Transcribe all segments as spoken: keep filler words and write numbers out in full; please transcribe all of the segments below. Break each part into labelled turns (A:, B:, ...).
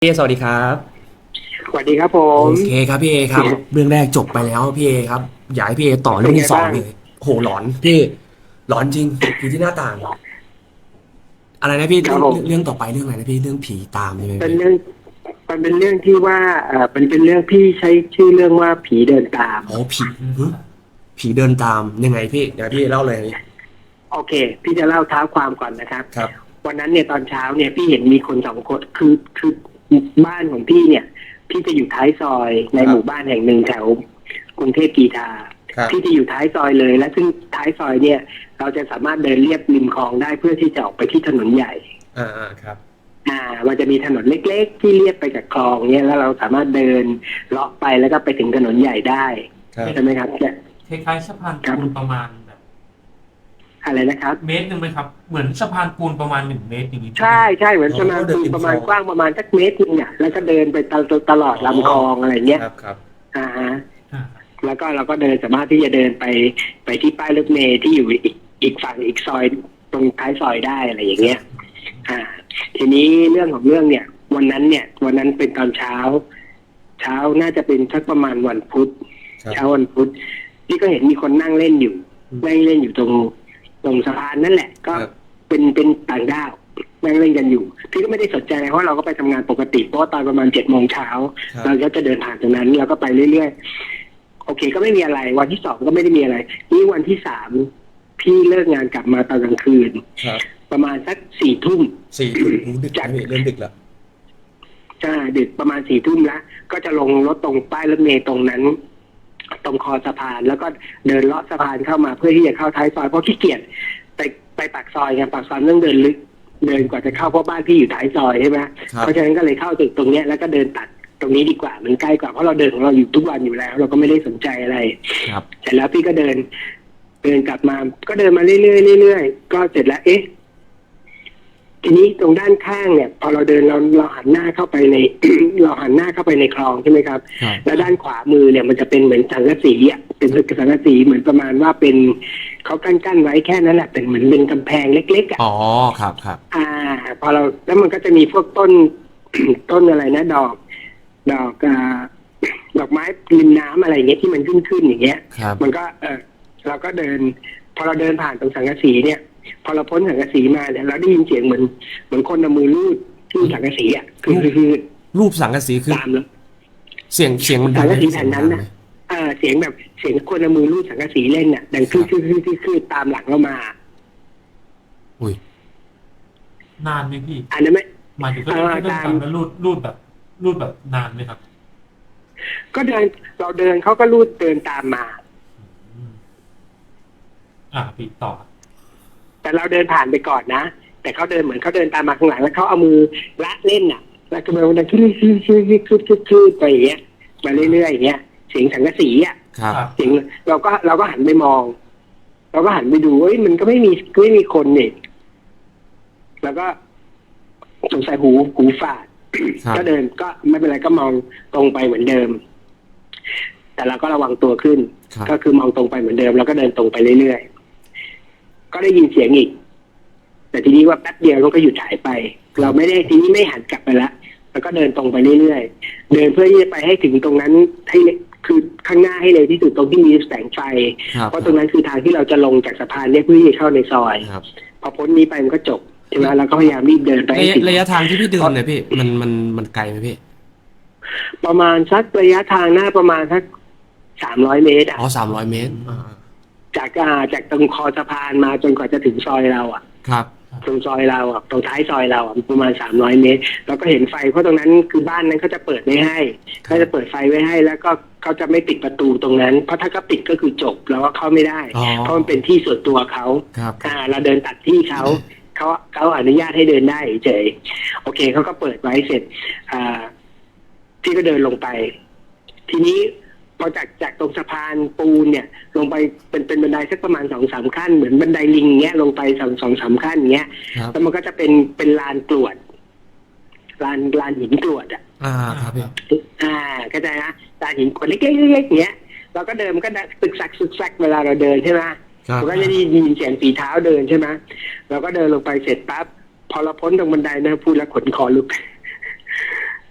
A: พี่เอสวัสดีครับ
B: สวัสดีครับผ
A: โอ
B: ม
A: เคครับพี่เอครับเรื่องแรกจบไปแล้วพี่เอครับอยากให้พี่เอต่อเรื่องที่สอง
B: เป็นไงบ้าง
A: เลยโหหลอนพี่หลอนจริงผีที่หน้าต่างอะไรนะพี่
B: ครับ
A: เรื่อง
B: ผม
A: เรื่องต่อไปเรื่องอะไรนะพี่เรื่องผีตามใช่ไหมพี่
B: เป็นเรื่องมันเป็นเรื่องที่ว่าเอ่อเป็นเป็นเรื่องที่ใช้ชื่อเรื่องว่าผีเดินตาม
A: อ๋อผีหึผีเดินตามยังไงพี่เดี๋ยวพี่เล่าเลย
B: โอเคพี่จะเล่าเท้าความก่อนนะครับ
A: ครับ
B: วันนั้นเนี่ยตอนเช้าเนี่ยพี่เห็นมีคนสองคนคือคือบ้านของพี่เนี่ยพี่จะอยู่ท้ายซอยใน
A: ครับ
B: หมู่บ้านแห่งหนึ่งแถวกรุงเทพกีทา
A: ครับ
B: พี่จะอยู่ท้ายซอยเลยและซึ่งท้ายซอยเนี่ยเราจะสามารถเดินเลียบริมคลองได้เพื่อที่จะออกไปที่ถนนใหญ่
A: อ่าอ่าครับ
B: อ่ามันจะมีถนนเล็กๆที่เลียบไปกับคลองเนี่ยแล้วเราสามารถเดินเลาะไปแล้วก็ไปถึงถนนใหญ่ได้
A: ครับ
B: ใช่ไหมครับเนี่ย
C: คล้ายๆสะพาน
B: ครับ
C: ปูนประมาณแบบ
B: อะไรนะครับ
C: เมตรหนึ่งไหมครับเหมือนสะพานปูนประมาณหนึ่งเมตรอย่างนี้
B: ใช่ใช่เหมือน
A: อ๋อ
B: ประมาณ
A: เดินริม
B: ประ
A: คลอง
B: มาณกว้างประมาณสักเมตรนึงอ่ะแล้วก็เดินไปตลอดตลอด
A: อ๋อ
B: ลำคลองอะไรเงี้ย
A: ครับครับ
B: อ่าฮะ
C: อ่า
B: แล้วก็เราก็เดินสามารถที่จะเดินไปไปที่ป้ายรถเมล์ที่อยู่อีกอีกฝั่งอีกซอยตรงท้ายซอยได้อะไรอย่างเงี้ยอ่าทีนี้เรื่องของเรื่องเนี่ยวันนั้นเนี่ยวันนั้นเป็นตอนเช้าเช้าน่าจะเป็นสักประมาณวันพุธ
A: ครับ
B: เช้าวันพุธพี่ก็เห็นมีคนนั่งเล่นอยู่นั่งเล่นอยู่ตรงตรงสะพานนั่นแหละ ก็
A: ครับ
B: เป็นเป็นต่างด้าวนั่งเล่นกันอยู่พี่ก็ไม่ได้สนใจอะไรเพราะเราก็ไปทำงานปกติเพราะว่าตอนประมาณเจ็ดโมงเช้า
A: ครับ
B: เราก็จะเดินผ่านตรงนั้นเราก็ไปเรื่อยๆโอเคก็ไม่มีอะไร วันที่สองก็ไม่ได้มีอะไรนี่วันที่สามพี่เลิกงานกลับมาตอนกลางคืน
A: ครับ
B: ประมาณสักสี่ทุ่ม
A: สี่ทุ่มดึก
B: จาก
A: นะพี่เริ่มดึกแล้ว
B: ใช่ดึกประมาณสี่ทุ่มแล้วก็จะลงรถตรงป้ายรถเมล์ตรงนั้นตรงคอสะพานแล้วก็เดินเลาะสะพานเข้ามาเพื่อที่จะเข้าท้ายซอยเพราะขี้เกียจไปไปปากซอยไงปากซอยต้องเดินลึกเดินกว่าจะเข้าเพราะบ้านพี่อยู่ท้ายซอยใช่ไหม
A: ครับ
B: เพราะฉะนั้นก็เลยเข้าตึกตรงเนี้ยแล้วก็เดินตัดตรงนี้ดีกว่ามันใกล้กว่าเพราะเราเดินของเราอยู่ทุกวันอยู่แล้ว เราก็ไม่ได้สนใจอะไร
A: ครับ
B: เสร็จแล้วพี่ก็เดิน เดินกลับมาก็เดินมาเรื่อยๆเรื่อยๆก็เสร็จแล้วเอ๊ะ ทีนี้ตรงด้านข้างเนี่ยพอเราเดินเราเราหันหน้าเข้าไปใน เราหันหน้าเข้าไปในคลองใช่ไหมครับ
A: ครับ
B: แล้วด้านขวามือเนี่ยมันจะเป็นเหมือนสังกะสีอ่ะเป็นสังกะสีเหมือนประมาณว่าเป็นเขากั้นกั้นไว้แค่นั้นแหละเป็นเหมือนเป็นกำแพงเล็กๆอ่ะ
A: อ๋อครับครับ
B: อ่าพอเราแล้วมันก็จะมีพวกต้น ต้นอะไรนะดอก ดอกอ่าดอกไม้ริมน้ำอะไรอย่างเงี้ยที่มันขึ้นขึ้นอย่างเงี้ย
A: ครับ
B: มันก็เออเราก็เดิน พอเราเดินผ่านตรงสังกะสีเนี่ย พอเราพ้นสังกะสีมาเนี่ยเราได้ยินเสียงเหมือนเหมือนคนเอามือลูดที่สังกะสีอ่ะคือคือคือ
A: รูปสังกะสีคือ
B: ตามแล้ว
A: เสียงเสียงมันดั
B: สังกะสี
A: งไหมเสีย
B: แผ่นนั้นนะ
A: งมันดังไหม
B: เออเสียงแบบเสียงคนเอามือลูดสังกะสีเล่นน่ะดังคือคือคือคือคือตามหลังเรามา
A: อุ้ย
C: นานไหมพี่
B: อันนั้นไม่
C: หมายถึงก็
B: เออ
C: เดิน
B: ตาม
C: ตามแล้วรูดรูดแบบรูดแบบนานไหมครับ
B: ก็เดินเราเดินเขาก็ลูดเดินตามมา
C: อืมอ่าพี่ต่อ
B: แต่เราเดินผ่านไปก่อนนะแต่เขาเดินเหมือนเขาเดินตามมาข้างหลังแล้วเขาเอามือละเล่นน่ะ แล้วก็มันดังขึ้นขึ้นขึ้นขึ้นขึ้นขึ้นขึ้นไปอย่างเงี้ยมาเรื่อยๆอย่างเงี้ยเสียงสังกะสีอ่ะ
A: ครับ
C: ครับ
B: เสียงเราก็เราก็หันไปมอง เราก็หันไปดูเอ้ยมันก็ไม่มีไม่มีคนนี่แล้วก็สงสัยหูหูฝาด
A: ครับ
B: ก็เดินก็ไม่เป็นไรก็มองตรงไปเหมือนเดิม แต่เราก็ระวังตัวขึ้น
A: ครับ
B: ก็คือมองตรงไปเหมือนเดิมแล้วก็เดินตรงไปเรื่อยๆก็ได้ยินเสียงอีก แต่ทีนี้ว่าแป๊บเดียวมันก็หยุดหายไป เราไม่ได้ทีนี้ไม่หันกลับไปละแล้วก็เดินตรงไปเรื่อยๆเดินเพื่อที่จะไปให้ถึงตรงนั้นให้คือข้างหน้าให้เลยที่สุดตรงที่มีแสงไฟ
A: ครับ
B: เพราะตรงนั้นคือทางที่เราจะลงจากสะพานเนี่ยเพื่อที่จะเข้าในซอย
A: ครับ
B: พอพ้นนี้ไปมันก็จบใช่ไหมเราก็พยายามรีบเดินไปให้
A: ระยะ
B: ถึง
A: ระยะทางที่พี่เดินเนี่ยพี่มันมันมันไกลไหมพี่
B: ประมาณสักระยะทางหน้าประมาณสักสามร้อยเมตรอ่ะ
A: อ๋อสามร้อยเมตรอ่า
B: จากอ่าจากตรงคอสะพานมาจนกว่าจะถึงซอยเราอ่ะ
A: ครับ
B: ตรงซอยเราอ่ะตรงท้ายซอยเราอ่ะประมาณสามร้อยเมตรเราก็เห็นไฟเพราะตรงนั้นคือบ้านนั้นเขาจะเปิดไม่ให้เขาจะเปิดไฟไว้ให้แล้วก็เขาจะไม่ปิดประตูตรงนั้นเพราะถ้าเขาปิดก็คือจบเราก็เข้าไม่ได้
A: อ๋อ
B: เพราะมันเป็นที่ส่วนตัวเขา
A: ครับ
B: อ่าเราเดินตัดที่เขาเขาเขาอนุญาตให้เดินได้เฉยโอเคเขาก็เปิดไว้เสร็จอ่าพี่ก็เดินลงไป ทีนี้พอจากจากตรงสะพานปูนเนี่ย ลงไปเป็นเป็นบันไดสักประมาณสองสามขั้นเหมือนบันไดลิงเงี้ยลงไปสองสองสามขั้นเงี้ย
A: ครับ
B: แล้วมันก็จะเป็นเป็นลานกรวดลานลานหินกรวดอ่ะ
A: อ่าครับพี่
B: อ่าเข้าใจนะลานหินกรวดเล็กๆเล็กๆเงี้ยเราก็เดินมันก็ตึกซักซึกซักเวลาเราเดินใช่ไหม
A: ครับ
B: มันก็จะได้ยินเสียงฝีเท้าเดินใช่ไหมเราก็เดินลงไปเสร็จปั๊บพอเราพ้นตรงบันไดนะพูดแล้วขนคอลุก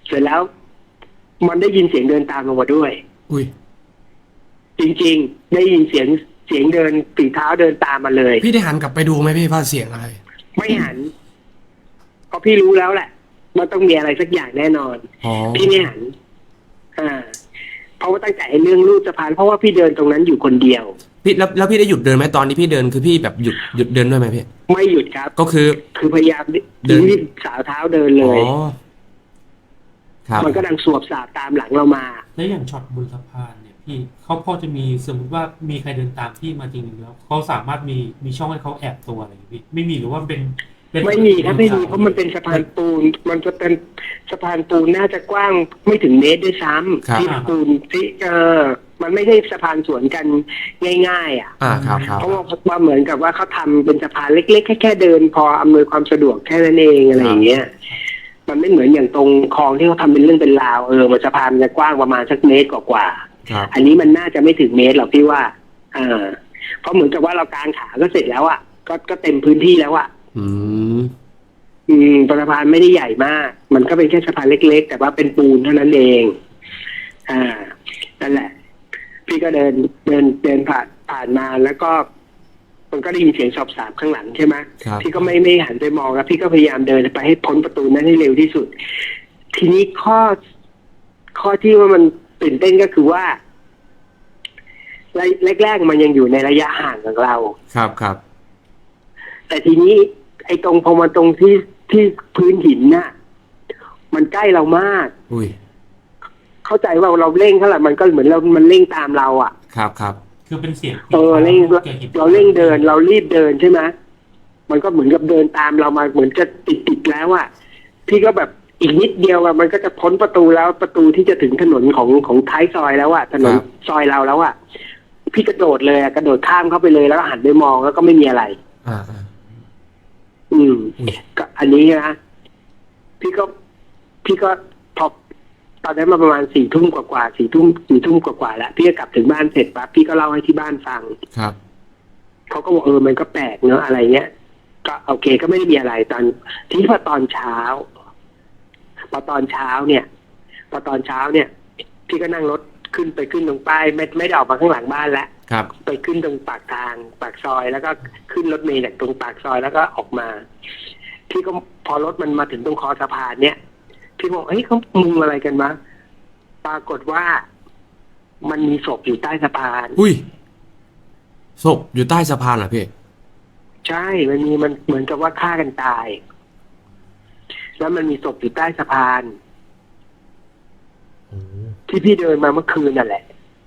B: เสร็จแล้วมันได้ยินเสียงเดินตามลงมาด้วย
A: อุ้ย
B: จริงๆ ได้ยินเสียงเสียงเดินฝีเท้าเดินตามมาเลย
D: พี่ได้หันกลับไปดูไหมพี่ว่าเสียงอะไร
B: ไม่หันเพราะพี่รู้แล้วแหละมันต้องมีอะไรสักอย่างแน่นอน
A: อ๋อ
B: พี่ไม่หัน อ่า เพราะว่าตั้งแต่ไอ้เรื่องลูดสะพานเพราะว่าพี่เดินตรงนั้นอยู่คนเดียว
A: พี่แล้วแล้วพี่ได้หยุดเดินไหมตอนที่พี่เดินคือพี่แบบหยุดหยุดเดินด้วยไหมพี่
B: ไม่หยุดครับ
A: ก็คือ
B: คือพยายาม
A: เดิน
B: รีบสาวเท้าเดินเล
A: อ๋อย ครับ
B: มันก็ดังสวบสาบตามหลังเรามา
C: แล้วอย่างช็อตบนสะพานเนี่ยพี่เขาพอจะมีสมมติว่ามีใครเดินตามพี่มาจริงๆแล้วเขาสามารถมีมีช่องให้เขาแอบตัวอะไรอย่างเงี้ยพี่ไม่มีหรือว่าเป็นเป็น
B: ไม่มีครับไม่มีเพราะมันเป็นสะพานปูน มันจะเป็นสะพานปูนน่าจะกว้างไม่ถึงเมตรด้วยซ้
A: ครับ
B: ำที่ปูนที่เออมันไม่ใช่สะพานสวนกันง่ายๆอ่ะ
A: อ่าครับครับ
B: เพราะว่าว่าเหมือนกับว่าเขาทำเป็นสะพานเล็กๆแค่แค่เดินพออำนวยความสะดวกแค่นั้นเองอะไรอย่างเงี้ย มันไม่เหมือนอย่างตรงคลองที่เขาทำเป็นเรื่องเป็นราวเออมันสะพานมันจะกว้างประมาณสักเมตรกว่า
A: ครับ
B: ๆอันนี้มันน่าจะไม่ถึงเมตรหรอกพี่ว่าอ่าเพราะเหมือนกับว่าเรากางขาก็เสร็จแล้วอ่ะก็ก็เต็มพื้นที่แล้วอ่ะ
A: อืม
B: อืมสะพานไม่ได้ใหญ่มาก มันก็เป็นแค่สะพานเล็กๆ แต่ว่าเป็นปูนเท่านั้นเอง อ่า นั่นแหละ พี่ก็เดินเดินเดินผ่านผ่านมาแล้วก็ มันก็ได้ยินเสียงสอบสาบข้างหลังใช่ไหม
A: ครับ
B: พี่ก็ไม่ไม่หันไปมองแล้วพี่ก็พยายามเดินไปให้พ้นประตูนั้นให้เร็วที่สุด ทีนี้ข้อข้อที่ว่ามันตื่นเต้นก็คือว่าแรกๆมันยังอยู่ในระยะห่างของเรา
A: ครับครับ
B: แต่ทีนี้ไอ้ตรงพอมาตรงที่ที่พื้นหินน่ะ มันใกล้เรามาก
A: อุ้ย
B: เข้าใจว่าเราเร่งเท่าไหร่มันก็เหมือนเรามันเร่งตามเราอ่ะ
A: ครับครับ
C: คือเป็นเสียง
B: เออเร่ง
C: กี่ยวกับหิน
B: เราเร่งเดิน เรารีบเดินใช่ไหมมันก็เหมือนกับเดินตามเรามาเหมือนจะติดติดๆแล้วอ่ะพี่ก็แบบอีกนิดเดียวอ่ะมันก็จะพ้นประตูแล้วประตูที่จะถึงถนนของของท้ายซอยแล้วอ่ะถนนซอยเราแล้วอ่ะพี่กระโดดเลยอะกระโดดข้ามเข้าไปเลยแล้วก็หันไปมองแล้วก็ไม่มีอะไร
A: อ่าอ่า
B: อืม
A: อุ้ย
B: ก็อันนี้นะพี่ก็พี่ก็พอตอนนั้นมาประมาณสี่ทุ่มกว่าๆสี่ทุ่มสี่ทุ่มกว่าๆแล้วพี่ก็กลับถึงบ้านเสร็จปั๊บพี่ก็เล่าให้ที่บ้านฟัง
A: ครับ
B: เขาก็บอกเออมันก็แปลกเนอะอะไรเงี้ยก็โอเคก็ไม่ได้มีอะไรตอนทีนี้พอตอนเช้าพอตอนเช้าเนี่ยพอตอนเช้าเนี่ย พี่ก็นั่งรถขึ้นไปขึ้นตรงป้ายไม่ไม่ได้ออกมาข้างหลังบ้านแล้ว
A: ครับ
B: ไปขึ้นตรงปากทางปากซอย แล้วก็ขึ้นรถเมล์จากตรงปากซอยแล้วก็ออกมา พี่ก็พอรถมันมาถึงตรงคอสะพานเนี่ยพี่บอกเฮ้ยเขามุงอะไรกันวะปรากฏว่ามันมีศพอยู่ใต้สะพาน
A: อุ้ยศพอยู่ใต้สะพานเหรอพี่
B: ใช่ มันมีมันเหมือนกับว่าฆ่ากันตาย แล้วมันมีศพอยู่ใต้สะพาน ที่พี่เดินมาเมื่อคืนนั่นแหละ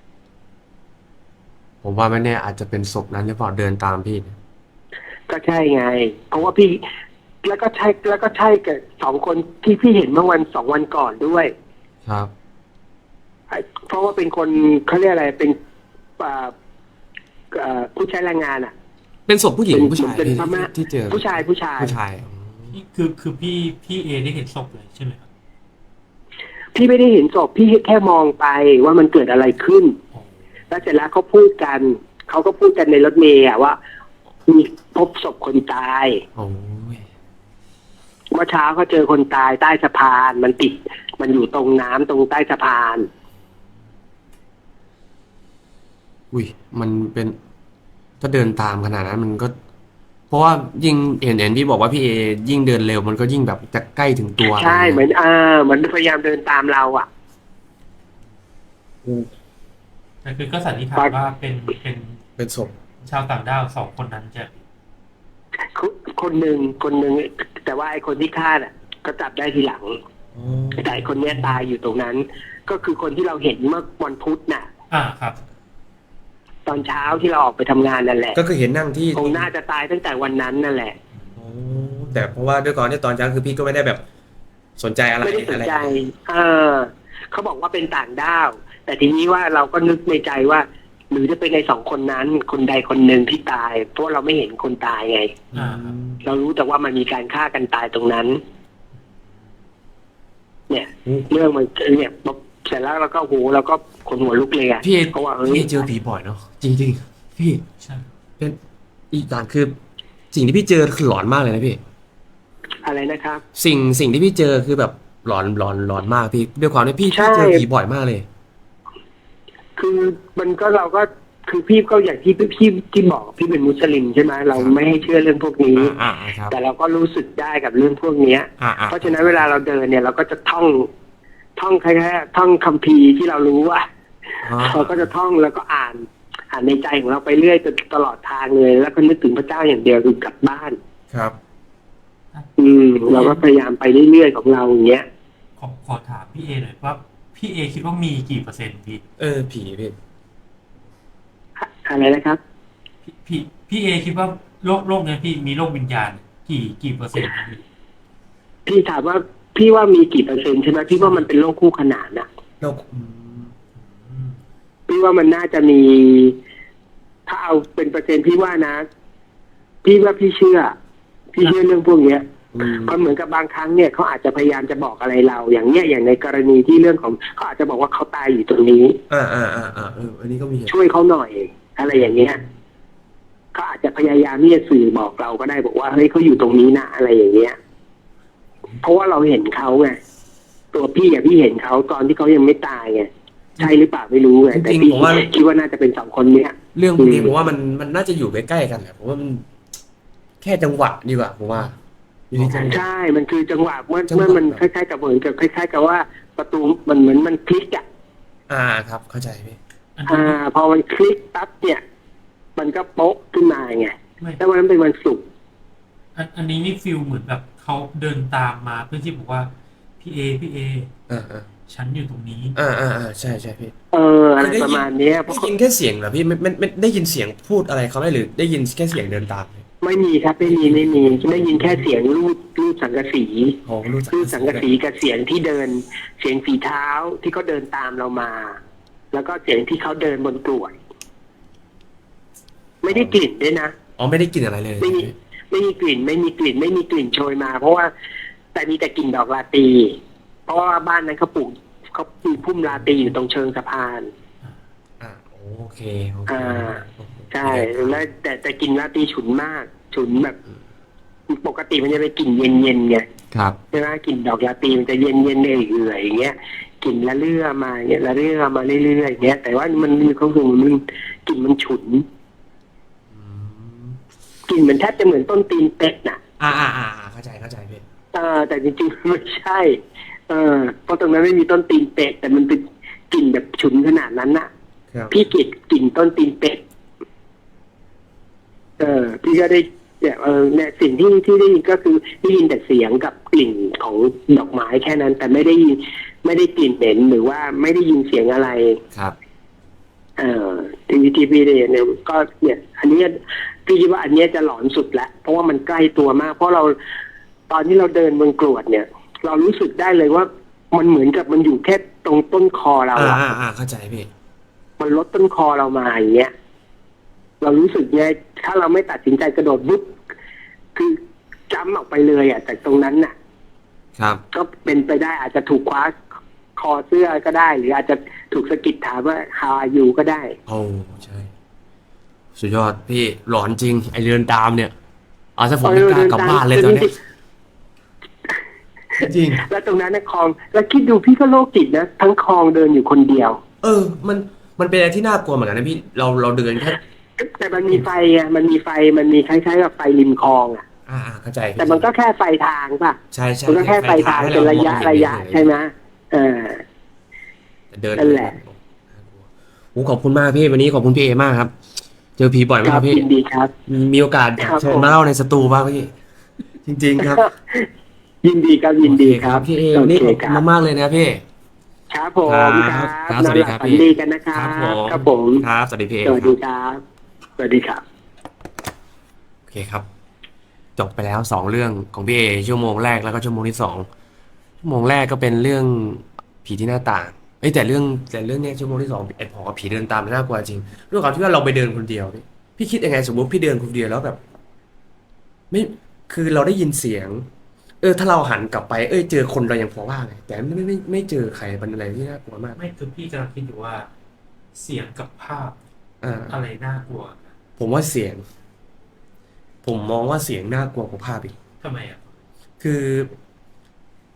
A: ผมว่าไม่แน่อาจจะเป็นศพนั้นหรือเปล่าเดินตามพี่เนี่ย
B: ก็ใช่ไง เพราะว่าพี่ แล้วก็ใช่แล้วก็ใช่กับสองคนที่พี่เห็นเมื่อวันสองวันก่อนด้วย
A: ครับ
B: เพราะว่าเป็นคนเขาเรียกอะไรเป็นอ่าอ่าผู้ใช้แรงงานอ่ะ
A: เป็นศพผู้หญิงหรือผู้ชาย
B: เป็น
A: ที่
B: พม่า
A: ที่เจอ
B: ผู้ชายผู้ชาย
A: ผู้ชายอ๋อ
C: นี่คือคือพี่พี่เอได้เห็นศพเลยใช่ไหมครับ
B: พี่ไม่ได้เห็นศพพี่แค่มองไปว่ามันเกิดอะไรขึ้น
C: อ๋อ
B: แล้วเสร็จแล้วเขาพูดกัน เขาก็พูดกันในรถเมล์อะว่า มีพบศพคนตาย
A: โอ้ย
B: เมื่อเช้าเขาเจอคนตายใต้สะพาน มันติด มันอยู่ตรงน้ำตรงใต้สะพาน
A: อุ้ยมันเป็นถ้าเดินตามขนาดนั้นมันก็ เพราะว่ายิ่งเห็นเห็นพี่บอกว่าพี่เอยิ่งเดินเร็วมันก็ยิ่งแบบจะใกล้ถึงตัว
B: ใช่เหมือนอ่าเหมือนพยายามเดินตามเราอ่ะ
C: แต่คือก็สันนิษฐานว่าเป็นเป็น
A: เป็นศพ
C: ชาวต่างด้าวสองคนนั้นจะ
B: คนหนึ่งคนหนึ่งแต่ว่าไอ้คนที่ฆ่าน่ะ ก็จับได้ทีหลัง แต่ไอ้คนเนี้ยตายอยู่ตรงนั้น ก็คือคนที่เราเห็นเมื่อวันพุธน่ะ
C: อ่าครับ
B: ตอนเช้าที่เราออกไปทำงานนั่นแหละ
A: ก็คือเห็นนั่งที่
B: คงน่าจะตายตั้งแต่วันนั้นนั่นแหละ
A: โอ้แต่เพราะว่าด้วยก่อนที่ตอนเช้าคือพี่ก็ไม่ได้แบบสนใจอะไร
B: ไม่ได้สน
A: อะไร
B: ใจเออเขาบอกว่าเป็นต่างด้าว แต่ทีนี้ว่าเราก็นึกในใจว่า หรือจะเป็นในสองคนนั้น คนใดคนหนึ่งที่ตาย เพราะเราไม่เห็นคนตายไง
C: อ่าครับ
B: เรารู้แต่ว่ามันมีการฆ่ากันตายตรงนั้น เนี่ย เรื่องมันเนี่ยเสร็จแล้วเราก็โหเราก็ขนหัวลุกเลยอะ
A: พี่เอ
B: เพราะว่าเฮ้ย
A: พี่เจอผีบ่อยเนาะจริงๆพี่
C: ใช่
A: เป็นอีกอย่างคือสิ่งที่พี่เจอคือหลอนมากเลยนะพี่
B: อะไรนะครับ
A: สิ่งสิ่งที่พี่เจอคือแบบหลอนหลอนหลอนมากพี่ด้วยความที่พี่
B: ใช่
A: พี่เจอผีบ่อยมากเลย
B: คือมันก็เราก็คือพี่ก็อย่างที่พี่พี่ที่บอกพี่เป็นมุสลิมใช่ไหมเราไม่ให้เชื่อเรื่องพวกนี้
A: อ่าอ่าครับ
B: แต่เราก็รู้สึกได้กับเรื่องพวกเนี้ย
A: อ่าอ่า
B: เพราะฉะนั้นเวลาเราเดินเนี่ยเราก็จะท่องท่องแค่ท่องคัมภีร์ที่เรารู้อ่ะ
A: อ่า
B: เราก็จะท่องแล้วก็อ่านอ่านในใจของเราไปเรื่อยจนตลอดทางเลย แล้วก็นึกถึงพระเจ้าอย่างเดียวคือกลับบ้าน
A: ครับ
B: อืม เราก็พยายามไปเรื่อยๆของเราอย่างเงี้ย
C: ขอขอถามพี่เอหน่อยว่าพี่เอคิดว่ามีกี่เปอร์เซ็นต์พี่
A: เออผีพี่
B: อะไรนะครับ
C: พี่พี่พี่เอคิดว่าโลกโลกเนี้ยพี่มีโลกวิญญาณ กี่กี่เปอร์เซ็นต์ครับพี่
B: พี่ถามว่าพี่ว่ามีกี่เปอร์เซ็นต์ใช่ไหมพี่ว่ามันเป็นโลกคู่ขนานนะ
A: โลกอืม
C: อืม
B: พี่ว่ามันน่าจะมี ถ้าเอาเป็นเปอร์เซ็นต์พี่ว่านะ พี่ว่าพี่เชื่อ พี่เชื่อเรื่องพวกเนี้ย
A: อืม
B: เพราะเหมือนกับบางครั้งเนี่ยเขาอาจจะพยายามจะบอกอะไรเรา อย่างเนี้ยอย่างในกรณีที่เรื่องของเขาอาจจะบอกว่าเขาตายอยู่ตรงนี้
A: อ่าอ่าอ่าอ่าเอออันนี้ก็มีเหตุ
B: ช่วยเขาหน่อย อะไรอย่างเงี้ยเขาอาจจะพยายามที่จะสื่อบอกเราก็ได้บอกว่าเฮ้ยเขาอยู่ตรงนี้นะอะไรอย่างเงี้ย เพราะว่าเราเห็นเขาไงตัวพี่อะพี่เห็นเขาตอนที่เขายังไม่ตายไงใช่หรือเปล่าไม่รู้ไงแต่พี่คิดว่าน่าจะเป็นสองคนเนี้ย
A: เรื่องพวกนี้
B: อืม
A: ผมว่ามันมันน่าจะอยู่ใกล้ๆกันแหละผมว่ามันแค่จังหวะดีกว่าผมว่าอยู่ที่จังหวะ
B: ใช่ มันคือจังหวะเมื่อ
A: จังหวะ
B: เมื่อมันคล้ายๆกับเหมือนกับคล้ายๆกับว่าประตูมันเหมือนมันคลิกอ่ะ
A: อ่าครับ เข้าใจพี่
C: อัน
B: อ่า
C: นี้
B: พอมันคลิกปั๊บเนี่ย มันก็โป๊ะขึ้นมาไง
C: ไม่
B: แล้ววันนั้นเป็นวันศุกร์
C: อันอันนี้นี่ฟิลเหมือนแบบเขาเดินตามมาเพื่อที่บอกว่าพี่เอพี่เอ
A: อ่าอ่า
C: ฉันอยู่ตรงนี้
A: อ่าอ่าอ่าใช่ใช่พี่
B: เอออะไรประมาณเนี้ยเพ
A: ได้
B: ราะ
A: ยินแค่เสียงเหรอพี่ไม่ไม่ไม่ได้ยินเสียงพูดอะไรเขาไหมหรือได้ยินแค่เสียงเดินตามเลย
B: ไม่มีครับไม่มีไม่มีได้ยินแค่เสียงรูดรูดสังกะสี
A: โอ้รู้จัก
B: รูดสังกะสีกับเสียงที่เดิน เสียงฝีเท้าที่เขาเดินตามเรามา แล้วก็เสียงที่เขาเดินบนกรวดไม่ได้กลิ่นด้วยนะ
A: อ๋อไม่ได้กินอะไรเลย
B: ไม่มีไม่มีกลิ่น ไม่มีกลิ่น ไม่มีกลิ่นโชยมา เพราะว่าแต่มีแต่กลิ่นดอกลาตรีเพราะว่าบ้านนั้นเขาปลูกเขาปลูกพุ่มลาตรีอยู่ตรงเชิงสะพาน
A: อ่าโอเคโอเค
B: อ่า ใช่แล้วแต่แต่กลิ่นลาตรีฉุนมาก ฉุนแบบ ปกติมันจะเป็นกลิ่นเย็นๆไง
A: ครับ
B: ใช่ไหมกลิ่นดอกลาตรีมันจะเย็นๆเอื่อยๆอย่างเงี้ยกลิ่นละเลื่อมาเงี้ยละเลื่อมาเรื่อยๆอย่างเงี้ยแต่ว่ามันมีความรู้สึกมันกลิ่นมันฉุน
A: อืม
B: กลิ่นเหมือนแทบจะเหมือนต้นตีนเป็ดน่ะ
A: อ่าอ่าอ่าอ่าเข้าใจเข้าใจพี่
B: เออแต่จริงๆไม่ใช่ เออเพราะตรงนั้นไม่มีต้นตีนเป็ดแต่มันเป็นกลิ่นแบบฉุนขนาดนั้นน่ะ
A: ครับ
B: พี่กลิ่นกลิ่นต้นตีนเป็ด เออ พี่ก็ได้เนี่ยเออเนี่ยสิ่งที่ที่ได้ยินก็คือได้ยินแต่เสียงกับกลิ่นของดอกไม้แค่นั้น แต่ไม่ได้ยินไม่ได้กลิ่นเหม็นหรือว่าไม่ได้ยินเสียงอะไร
A: ครับ
B: เอ่อที่ที่พี่ได้เนี่ยก็เนี่ย อันนี้พี่คิดว่าอันเนี้ยจะหลอนสุดแล้วเพราะว่ามันใกล้ตัวมาก เพราะเราตอนที่เราเดินบนกรวดเนี่ย เรารู้สึกได้เลยว่ามันเหมือนกับมันอยู่แค่ตรงต้นคอเรา
A: อ่า
B: อะ
A: อ่าอ่าเข้าใจพี่
B: มันลดต้นคอเรามาอย่างเงี้ย เรารู้สึกไงถ้าเราไม่ตัดสินใจกระโดดบุ๊บคือจ้ำออกไปเลยอ่ะจากตรงนั้นน่ะ
A: ครับ
B: ก็เป็นไปได้อาจจะถูกคว้าคอเสื้อก็ได้ หรืออาจจะถูกสะกิดถามว่า how are you ก็ได้
A: โอ้ใช่ สุดยอดพี่หลอนจริง ไอเรือนตามเนี่ยเอาซะผมไม่กล้ากลับบ้านเลยตอนเนี้ยจริง
B: แล้วตรงนั้นนะคลอง แล้วคิดดูพี่ก็โรคจิตนะทั้งคลองเดินอยู่คนเดียว
A: เออ มันมันเป็นอะไรที่น่ากลัวเหมือนกันนะพี่เราเราเดินแค่
B: แต่มันมีไฟไงมันมีไฟมันมีคล้ายๆกับไฟริมคลองอ่ะ
A: อ่าอ่าเข้าใจพี่
B: แต่มันก็แค่ไฟทางป่ะ
A: ใช่ใช่
B: มันก็แค่ไฟทาง
A: ให้
B: เป็นระยะ
A: มองเห็น
B: ระยะ
A: เฉๆ
B: ใช่ไหมเออ
A: แต่เดิน
B: นั่นแหละ
A: โอ้ขอบคุณมากพี่วันนี้ขอบคุณพี่เอมากครับ เจอผีบ่อยไหม
B: ค
A: ค
B: รั
A: รั
B: บบ
A: พี่
B: ยินดีครับ
A: มีมีโอกาส
B: ครับ
A: เชิญ
B: ผม
A: มาเล่าในสตูบ้างพี่จริง ๆ ครับ
B: ยินดีครับยินดีครับ
A: โอเพี่เอวันนี้ขอบคุณมากๆเลยนะพี่
B: ครับผม
A: ครับ
B: ครับ
A: ครับสวัสดีครับ
B: นอนหลั
A: พี่
B: ฝันดีกันนะครับ
A: ผม
B: ครับผม
A: ครับสวัสดีพี่เอ
B: สวัส
A: ค
B: ดี
A: รับ
B: ครับ สวัสดีครับ
A: โอเคครับ จบไปแล้วสองเรื่องของพี่เอชั่วโมงแรกแล้วก็ชั่วโมงที่สองชั่วโมงแรกก็เป็นเรื่องผีที่หน้าต่างเอ้ยแต่เรื่องแต่เรื่องเนี้ยชั่วโมงที่สองไอ้พอกับผีเดินตามมันน่ากลัวจริงด้วยความที่ว่าเราไปเดินคนเดียวพี่พี่คิดยังไงสมมติพี่เดินคนเดียวแล้วแบบ ไม่คือเราได้ยินเสียง เออ ถ้าเราหันกลับไปเอ้ยเจอคนเรายังพอว่าไงแต่ไม่ไม่ไม่ไม่เจอใครเป็นอะไรที่น่ากลัวมาก
C: ไม่คือพี่กำลังคิดอยู่ว่า เสียงกับภาพ
A: อ่า
C: อะไรน่ากลัว
A: ผมว่าเสียง ผมมองว่าเสียงน่ากลัวกว่าภาพอีก
C: ทำไมอ่ะ
A: คือ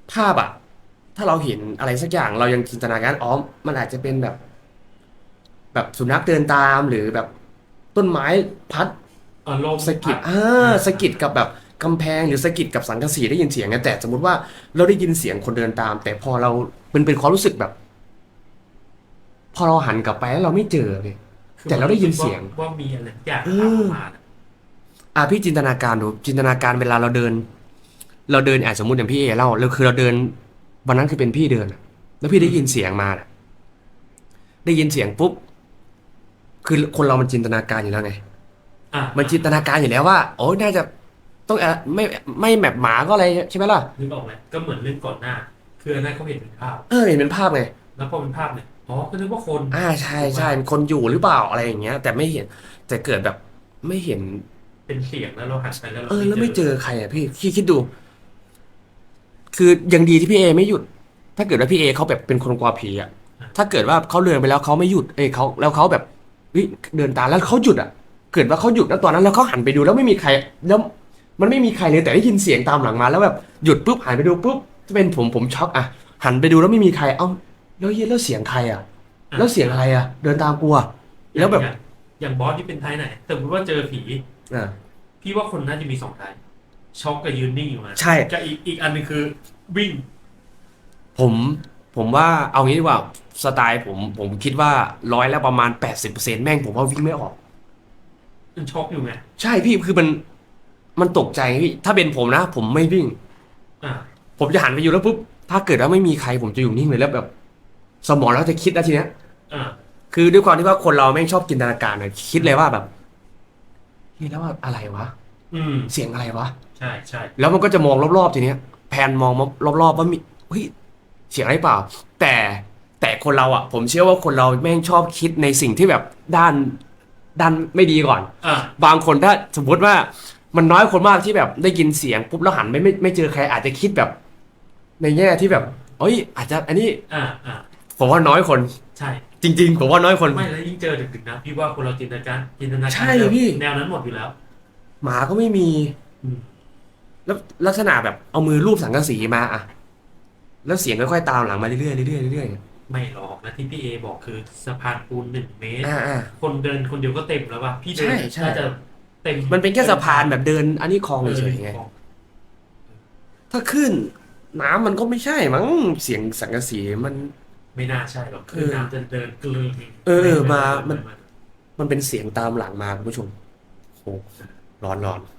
A: ภาพอะถ้าเราเห็นอะไรสักอย่างเรายังจินตนาการอ๋อมันอาจจะเป็นแบบ แบบสุนัขเดินตามหรือแบบต้นไม้พัด
C: เออลม
A: สะกิด
C: พั
A: อ่าสะกิดกับแบบกำแพงหรือสะกิดกับสังกะสีได้ยินเสียงไงแต่สมมติว่าเราได้ยินเสียงคนเดินตาม แต่พอเราเป็นเป็นความรู้สึกแบบ พอเราหันกลับไปแล้วเราไม่เจอเลย
C: คือ
A: แต่เราได้ยินเสียง
C: ว่าว่ามีอะไรสักอย่าง
A: เอ
C: ตาม
A: อ
C: มาน่ะ
A: อ่ะพี่จินตนาการดูจินตนาการเวลาเราเดิน เราเดินอ่ะสมมติอย่างพี่เอเล่าเราคือเราเดินวันนั้นคือเป็นพี่เดินอะแล้วพี่ได้ยินเสียงมาน่ะได้ยินเสียงปุ๊บคือคนเรามันจินตนาการอยู่แล้วไง
C: อ่ะ
A: มันจินตนาการอยู่แล้วว่าโอ้ยน่าจะต้องอะไม่ไม่แมปหมาก็อะไรใช่ไหมล่ะ
C: นึกออกไหมก็เหมือนเรื่องก่อนหน้า คืออันนั้นเขาเห็นเป็นภาพ
A: เออเห็นเป็นภาพไง
C: แล้วพอเป็นภาพเนี่ยอ๋อก็นึกว่าคน
A: อ่าใช่ใช่เป็นคนอยู่หรือเปล่าอะไรอย่างเงี้ย แต่ไม่เห็นแต่เกิดแบบไม่เห็น
C: เป็นเสียงแล้วเราหันไปแล้วเรา
A: เออแล้วไม่เจอใครอ่ะพี่คิดคิดดู คือยังดีที่พี่เอไม่หยุด ถ้าเกิดว่าพี่เอเขาแบบเป็นคนกลัวผีอ่ะถ้าเกิดว่าเขาเดินไปแล้วเขาไม่หยุดเอ้ยเขาแล้วเขาแบบเฮ้ยเดินตามแล้วเขาหยุดอ่ะ เกิดว่าเขาหยุดแล้วตอนนั้นแล้วเขาหันไปดูแล้วไม่มีใครแล้วมันไม่มีใครเลยแต่ได้ยินเสียงตามหลังมาแล้วแบบหยุดปุ๊บหันไปดูปุ๊บจะเป็นผมผมช็อกอ่ะหันไปดูแล้วไม่มีใครเอ้าแล้วเย็นแล้วเสียงใครอ่ะ แล้วเสียงอะไรอ่ะ เดินตามกูอ่ะแล้วแบบ
C: อย่างอย่างบอสที่เป็นไทยไหนสมมติว่าเจอผี
A: อ่า
C: พี่ว่าคนน่าจะมีสองไทยช็อกกับยืนนิ่งอยู่นะ
A: ใช่
C: กับอีกอีกอันหนึงคือวิ่ง
A: ผมผมว่าเอางี้ดีกว่าสไตล์ผมผมคิดว่าร้อยแล้วประมาณแปดสิบเปอร์เซ็นต์แม่งผมว่าวิ่งไม่ออก
C: มันช็อกอยู่ไง
A: ใช่พี่คือมันมันตกใจพี่ถ้าเป็นผมนะ ผมไม่วิ่ง
C: อ่ะ
A: ผมจะหันไปอยู่แล้วปุ๊บถ้าเกิดว่าไม่มีใครผมจะอยู่นิ่งเลยแล้วแบบ สมองแล้วจะคิดนะทีเนี้ย
C: อ่ะ
A: คือด้วยความที่ว่าคนเราแม่งชอบจินตนาการนะคิดเลยว่าแบบเฮ้ยแล้วว่าอะไรวะ
C: อืม
A: เสียงอะไรวะ
C: ใช่ใช่
A: แล้วมันก็จะมองรอบๆทีเนี้ยแพนมองรอบๆว่ามีเฮ้ยเสียงอะไรเปล่า แต่แต่คนเราอ่ะ ผมเชื่อว่าคนเราแม่งชอบคิดในสิ่งที่แบบด้านด้านไม่ดีก่อน
C: อ่ะ
A: บางคนถ้าสมมติว่ามันน้อยคนมากที่แบบได้ยินเสียงปุ๊บแล้วหันไม่ไม่ไม่เจอใครอาจจะคิดแบบ ในแง่ที่แบบเอ้ย อาจจะอันนี้
C: อ่ะอ่ะ
A: ผมว่าน้อยคน
C: ใช่
A: จริง ๆ ผมว่าน้อยคน
C: ไม่แล้วยิ่งเจอดึกๆนะพี่ว่าคนเราจินตนาการจินตนาการ
A: ใช่พี่
C: แนวนั้นหมดอยู่แล้ว
A: หมาก็ไม่มี
C: อืม
A: แล้วลักษณะแบบเอามือรูปสังกะสีมาอะแล้วเสียงค่อยๆตามหลังมาเรื่อยๆเรื่อยๆเรื่อยๆ
C: ไม่หรอกนะที่พี่เอบอกคือสะพานปูนหนึ่งเมตร
A: อ่าอ่า
C: คนเดินคนเดียวก็เต็มแล้วป่ะพี่เดิน
A: ใช่ใช่
C: น่าจะเต็ม
A: มันเป็นแค่สะพานแบบเดิน อันนี้คลอง
C: เออ
A: เฉยๆไง
C: ของ
A: ถ้าขึ้น น้ำมันก็ไม่ใช่มั้งเสียงสังกะสีมัน
C: ไม่น่าใช่หรอกคือ
A: เออ
C: น้ำจะเดินกลืน
A: เออ
C: ไไ
A: มามัน
C: ไ
A: มันเป็นเสียงตามหลังมาคุณผู้ชมโอ้ร้อนร้อน